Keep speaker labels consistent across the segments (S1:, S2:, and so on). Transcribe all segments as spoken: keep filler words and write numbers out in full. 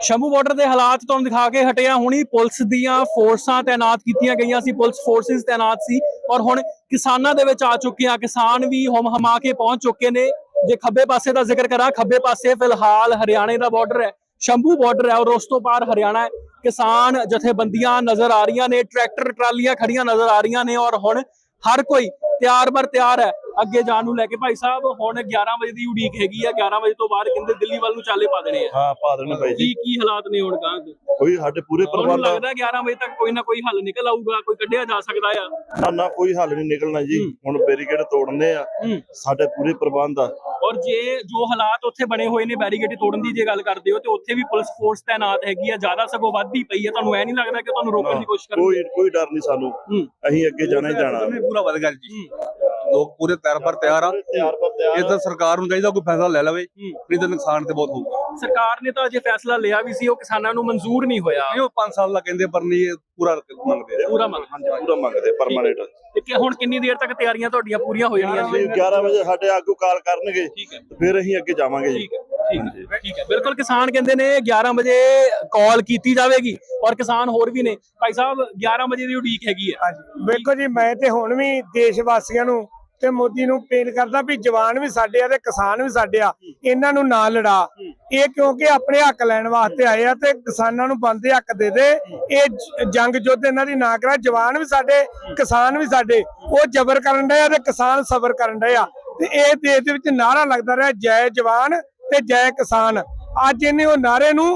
S1: Shambhu border ਦੇ ਹਾਲਾਤ ਤੁਹਾਨੂੰ ਦਿਖਾ ਕੇ ਹਟਿਆ। ਹੁਣੀ ਪੁਲਿਸ ਦੀਆਂ ਫੋਰਸਾਂ ਤੈਨਾਤ ਕੀਤੀਆਂ ਗਈਆਂ ਸੀ, ਪੁਲਿਸ ਫੋਰਸਿਸ ਤੈਨਾਤ ਸੀ ਔਰ ਹੁਣ ਕਿਸਾਨਾਂ ਦੇ ਵਿੱਚ ਆ ਚੁੱਕੀਆਂ। ਕਿਸਾਨ ਵੀ ਹਮ ਹਮਾ ਕੇ ਪਹੁੰਚ ਚੁੱਕੇ ਨੇ। ਜੇ ਖੱਬੇ ਪਾਸੇ ਦਾ ਜ਼ਿਕਰ ਕਰਾਂ, ਖੱਬੇ ਪਾਸੇ ਫਿਲਹਾਲ ਹਰਿਆਣੇ ਦਾ ਬਾਰਡਰ ਹੈ, ਸ਼ੰਭੂ ਬਾਰਡਰ ਹੈ ਔਰ ਉਸ ਤੋਂ ਪਾਰ ਹਰਿਆਣਾ ਹੈ। ਕਿਸਾਨ ਜਥੇਬੰਦੀਆਂ ਨਜ਼ਰ ਆ ਰਹੀਆਂ ਨੇ, ਟਰੈਕਟਰ ਟਰਾਲੀਆਂ ਖੜੀਆਂ ਨਜ਼ਰ ਆ ਰਹੀਆਂ ਨੇ ਔਰ ਹੁਣ ਹਰ ਕੋਈ ਤਿਆਰ ਬਰ ਤਿਆਰ ਹੈ ਅੱਗੇ ਜਾਣ ਨੂੰ ਲੈ ਕੇ। ਭਾਈ ਸਾਹਿਬ ਹੁਣ ਗਿਆਰਾਂ ਵਜੇ ਦੀ ਉਡੀਕ ਹੈਗੀ ਆ, ਗਿਆਰਾਂ ਵਜੇ ਤੋਂ ਬਾਅਦ ਕਹਿੰਦੇ ਦਿੱਲੀ ਵੱਲ ਨੂੰ ਚਾਲੇ ਪਾ ਦੇਣੇ ਆ।
S2: ਹਾਂ ਪਾ ਦੇਣੇ ਭਾਈ ਜੀ।
S1: ਕੀ ਕੀ ਹਾਲਾਤ ਨੇ ਹੁਣ ਗਾਂ ਦੇ?
S2: ਕੋਈ ਸਾਡੇ ਪੂਰੇ ਪਰਿਵਾਰ ਦਾ
S1: ਲੱਗਦਾ ਗਿਆਰਾਂ ਵਜੇ ਤੱਕ ਕੋਈ ਨਾ ਕੋਈ ਹੱਲ ਨਿਕਲ ਆਊਗਾ, ਕੋਈ ਕੱਢਿਆ ਜਾ ਸਕਦਾ ਆ।
S2: ਨਾ ਨਾ ਕੋਈ ਹੱਲ ਨਹੀਂ ਨਿਕਲਣਾ ਜੀ। ਹੁਣ ਬੈਰੀਕੇਡ ਤੋੜਨੇ ਆ ਸਾਡੇ ਪੂਰੇ ਪ੍ਰਬੰਧ ਆ।
S1: ਔਰ ਜੇ ਜੋ ਹਾਲਾਤ ਉੱਥੇ ਬਣੇ ਹੋਏ ਨੇ ਬੈਰੀਕੇਡ ਤੋੜਨ ਦੀ ਜੇ ਗੱਲ ਕਰਦੇ ਹੋ ਤੇ ਉੱਥੇ ਵੀ ਪੁਲਿਸ ਫੋਰਸ ਤੈਨਾਤ ਹੈਗੀ ਆ, ਜ਼ਿਆਦਾ ਸਗੋਂ ਵੱਧਦੀ ਪਈ ਹੈ। ਤੁਹਾਨੂੰ ਇਹ ਨਹੀਂ ਲੱਗਦਾ ਕਿ ਤੁਹਾਨੂੰ ਰੋਕਣ ਦੀ ਕੋਸ਼ਿਸ਼ ਕਰਨਗੇ?
S2: ਕੋਈ ਕੋਈ ਡਰ ਨਹੀਂ ਸਾਨੂੰ, ਅਸੀਂ ਅੱਗੇ ਜਾਣਾ ਹੀ ਜਾਣਾ।
S3: ਪੂਰਾ ਵਧ ਗਿਆ ਜੀ, ਲੋਕ ਪੂਰੇ ਤਿਆਰ ਪਰ ਤਿਆਰ ਆ। ਇਹ ਤਾਂ ਸਰਕਾਰ ਨੂੰ ਚਾਹੀਦਾ ਕੋਈ ਫੈਸਲਾ ਲੈ ਲਵੇ, ਨਹੀਂ ਤਾਂ ਨੁਕਸਾਨ ਤੇ ਬਹੁਤ ਹੋਊਗਾ। ਸਰਕਾਰ
S1: ਨੇ ਤਾਂ ਅਜੇ ਫੈਸਲਾ ਲਿਆ ਵੀ ਸੀ, ਉਹ ਕਿਸਾਨਾਂ ਨੂੰ ਮਨਜ਼ੂਰ ਨਹੀਂ ਹੋਇਆ।
S3: ਉਹ ਪੰਜ ਸਾਲ ਦਾ ਕਹਿੰਦੇ ਪਰ ਨਹੀਂ, ਪੂਰਾ ਮੰਗਦੇ ਆ।
S1: ਪੂਰਾ ਮੰਗਦੇ
S2: ਪੂਰਾ ਮੰਗਦੇ ਪਰਮਾਨੈਂਟ।
S1: ਤੇ ਹੁਣ ਕਿੰਨੀ ਦੇਰ ਤੱਕ ਤਿਆਰੀਆਂ ਤੁਹਾਡੀਆਂ ਪੂਰੀਆਂ ਹੋ ਜਾਣੀਆਂ?
S2: ਗਿਆਰਾਂ ਵਜੇ ਸਾਡੇ ਆਗੂ ਕਾਲ ਕਰਨਗੇ, ਫਿਰ ਅਸੀਂ ਅੱਗੇ ਜਾਵਾਂਗੇ ਜੀ।
S1: ਠੀਕ ਹੈ ਠੀਕ ਹੈ ਬਿਲਕੁਲ। ਕਿਸਾਨ ਕਹਿੰਦੇ ਨੇ ਗਿਆਰਾਂ ਵਜੇ ਕਾਲ ਕੀਤੀ ਜਾਵੇਗੀ ਔਰ ਕਿਸਾਨ ਹੋਰ ਵੀ ਨੇ। ਭਾਈ ਸਾਹਿਬ ਗਿਆਰਾਂ ਵਜੇ ਦੀ ਉਡੀਕ ਹੈਗੀ ਹੈ।
S4: ਵੇਖੋ ਜੀ, ਮੈਂ ਤੇ ਹੁਣ ਵੀ ਦੇਸ਼ ਵਾਸੀਆਂ ਨੂੰ ਤੇ ਮੋਦੀ ਨੂੰ ਅਪੀਲ ਕਰਦਾ ਵੀ ਜਵਾਨ ਵੀ ਸਾਡੇ ਆ ਤੇ ਕਿਸਾਨ ਵੀ ਸਾਡੇ ਆ, ਇਹਨਾਂ ਨੂੰ ਨਾ ਲੜਾ। ਇਹ ਕਿਉਂਕਿ ਆਪਣੇ ਹੱਕ ਲੈਣ ਵਾਸਤੇ ਆਏ ਆ ਤੇ ਕਿਸਾਨਾਂ ਨੂੰ ਬਣਦੇ ਹੱਕ ਦੇ ਦੇ। ਇਹ ਜੰਗ ਯੁੱਧ ਇਹਨਾਂ ਦੀ ਨਾ ਕਰਾ। ਜਵਾਨ ਵੀ ਸਾਡੇ, ਕਿਸਾਨ ਵੀ ਸਾਡੇ। ਉਹ ਜ਼ਬਰ ਕਰਨ ਡਏ ਆ ਤੇ ਕਿਸਾਨ ਸਬਰ ਕਰਨ ਡਏ ਆ। ਤੇ ਇਹ ਦੇਸ਼ ਦੇ ਵਿੱਚ ਨਾਰਾ ਲੱਗਦਾ ਰਿਹਾ, ਜੈ ਜਵਾਨ ਤੇ ਜੈ ਕਿਸਾਨ। ਅੱਜ ਇਹਨੇ ਉਹ ਨਾਰੇ ਨੂੰ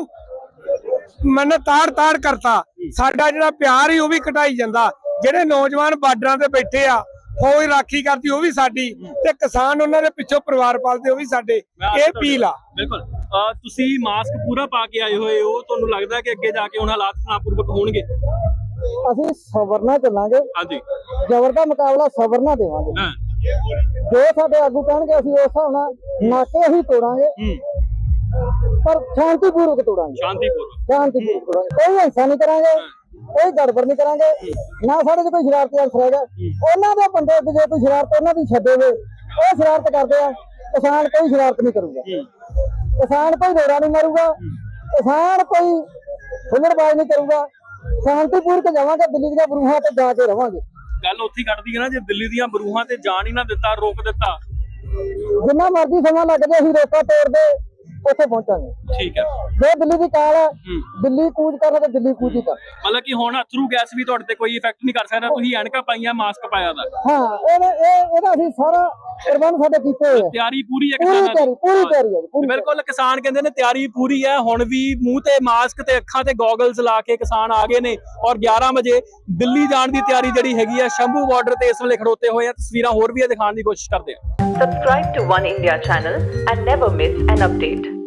S4: ਮਨ ਤਾੜ ਤਾੜ ਕਰਤਾ। ਸਾਡਾ ਜਿਹੜਾ ਪਿਆਰ ਹੀ ਉਹ ਵੀ ਘਟਾਈ ਜਾਂਦਾ। ਜਿਹੜੇ ਨੌਜਵਾਨ ਬਾਰਡਰਾਂ ਤੇ ਬੈਠੇ ਆ, ਫੌਜ ਰਾਖੀ ਕਰਦੀ ਉਹ ਵੀ ਸਾਡੀ, ਤੇ ਕਿਸਾਨ ਉਹਨਾਂ ਦੇ ਪਿੱਛੋਂ ਪਰਿਵਾਰ ਪਾਲਦੇ ਉਹ ਵੀ ਸਾਡੇ। ਇਹ ਅਪੀਲ ਆ।
S1: ਬਿਲਕੁਲ। ਤੁਸੀਂ ਮਾਸਕ ਪੂਰਾ ਪਾ ਕੇ ਆਏ ਹੋਏ ਹੋ, ਤੁਹਾਨੂੰ ਲੱਗਦਾ ਕਿ ਅੱਗੇ ਜਾ ਕੇ ਹੁਣ ਹਾਲਾਤ ਤਣਾਅਪੂਰਵਕ ਹੋਣਗੇ?
S5: ਅਸੀਂ ਸਬਰ ਨਾਲ ਚੱਲਾਂਗੇ।
S1: ਹਾਂਜੀ,
S5: ਜ਼ਬਰ ਦਾ ਮੁਕਾਬਲਾ ਸਬਰ ਨਾਲ ਦੇਵਾਂਗੇ।
S1: ਹਾਂ,
S5: ਜੋ ਸਾਡੇ ਆਗੂ ਕਹਿਣਗੇ ਅਸੀਂ ਉਸ ਹਿਸਾਬ ਨਾਲ ਨਾਕੇ ਅਸੀਂ ਤੋੜਾਂਗੇ, ਪਰ ਸ਼ਾਂਤੀਪੂਰਵਕ ਤੋੜਾਂਗੇ।
S1: ਸ਼ਾਂਤੀਪੂਰਵਕ
S5: ਸ਼ਾਂਤੀਪੂਰਵਕ ਤੋੜਾਂਗੇ। ਕੋਈ ਹਿੰਸਾ ਨਹੀਂ ਕਰਾਂਗੇ, ਕੋਈ ਗੜਬੜ ਨਹੀਂ ਕਰਾਂਗੇ। ਨਾ ਸਾਡੇ 'ਚ ਕੋਈ ਸ਼ਰਾਰਤੀ ਅਨਸਰ ਹੈਗਾ। ਉਹਨਾਂ ਦੇ ਬੰਦੇ ਜੇ ਕੋਈ ਸ਼ਰਾਰਤ ਉਹਨਾਂ ਦੀ ਛੱਡੇ ਹੋਏ, ਉਹ ਸ਼ਰਾਰਤ ਕਰਦੇ ਆ। ਕਿਸਾਨ ਕੋਈ ਸ਼ਰਾਰਤ ਨਹੀਂ ਕਰੂਗਾ, ਕਿਸਾਨ ਕੋਈ ਰੋੜਾ ਨਹੀਂ ਮਾਰੂਗਾ, ਕਿਸਾਨ ਕੋਈ ਹੁਲੜਬਾਜ਼ ਨਹੀਂ ਕਰੂਗਾ। ਸ਼ਾਂਤੀਪੂਰਵਕ ਜਾਵਾਂਗੇ, ਦਿੱਲੀ ਦੀਆਂ ਬਰੂਹਾਂ ਤੇ ਜਾ ਕੇ ਰਵਾਂਗੇ।
S1: ਗੱਲ ਉੱਥੇ ਕੱਢਦੀ ਹੈ ਨਾ, ਜੇ ਦਿੱਲੀ ਦੀਆਂ ਬਰੂਹਾਂ ਤੇ ਜਾਣ ਹੀ ਨਾ ਦਿੱਤਾ, ਰੋਕ ਦਿੱਤਾ,
S5: ਜਿੰਨਾ ਮਰਜ਼ੀ ਸਮਾਂ ਲੱਗ ਜਾਏ ਅਸੀਂ ਰੋਕਾ ਤੋੜਦੇ ਉੱਥੇ ਪਹੁੰਚਾਂਗੇ।
S1: ਠੀਕ ਹੈ।
S5: ਜੇ ਦਿੱਲੀ ਦੀ ਕਾਲ ਹੈ, ਦਿੱਲੀ ਕੂਚ ਕਰਨਾ ਤੇ ਦਿੱਲੀ ਕੂਚ ਹੀ ਕਰ।
S1: ਮਤਲਬ ਕਿ ਹੁਣ ਅਥਰੂ ਗੈਸ ਵੀ ਤੁਹਾਡੇ ਤੇ ਕੋਈ ਇਫੈਕਟ ਨਹੀਂ ਕਰ ਸਕਦਾ। ਤੁਸੀਂ ਐਨਕਾਂ ਪਾਈਆਂ, ਮਾਸਕ ਪਾਇਆ ਦਾ।
S5: ਹਾਂ, ਇਹ ਇਹ ਇਹਦਾ ਅਸੀਂ ਸਾਰਾ ਪ੍ਰਬੰਧ ਸਾਡੇ ਕੀਤੇ ਹੋਏ ਆ।
S1: ਤਿਆਰੀ ਪੂਰੀ ਹੈ
S5: ਪੂਰੀ
S1: ਕਿਸਾਨਾਂ
S5: ਤਿਆਰੀ ਪੂਰੀ ਤਿਆਰੀ ਹੈ ਜੀ।
S1: ਬਿਲਕੁਲ। ਕਿਸਾਨ ਕਹਿੰਦੇ ਨੇ ਤਿਆਰੀ ਪੂਰੀ ਹੈ। ਹੁਣ ਵੀ ਮੂੰਹ ਤੇ ਮਾਸਕ ਤੇ ਅੱਖਾਂ ਤੇ ਗੋਗਲਸ ਲਾ ਕੇ ਕਿਸਾਨ ਆ ਗਏ ਨੇ ਔਰ ਗਿਆਰਾਂ ਵਜੇ ਦਿੱਲੀ ਜਾਣ ਦੀ ਤਿਆਰੀ ਜਿਹੜੀ ਹੈਗੀ ਆ। ਸ਼ੰਭੂ ਬਾਰਡਰ ਤੇ ਇਸ ਵੇਲੇ ਖੜੋਤੇ ਹੋਏ ਆ। ਤਸਵੀਰਾਂ ਹੋਰ ਵੀ ਦਿਖਾਉਣ ਦੀ ਕੋਸ਼ਿਸ਼ ਕਰਦੇ ਆ।
S6: Subscribe to One India channel and never miss an update.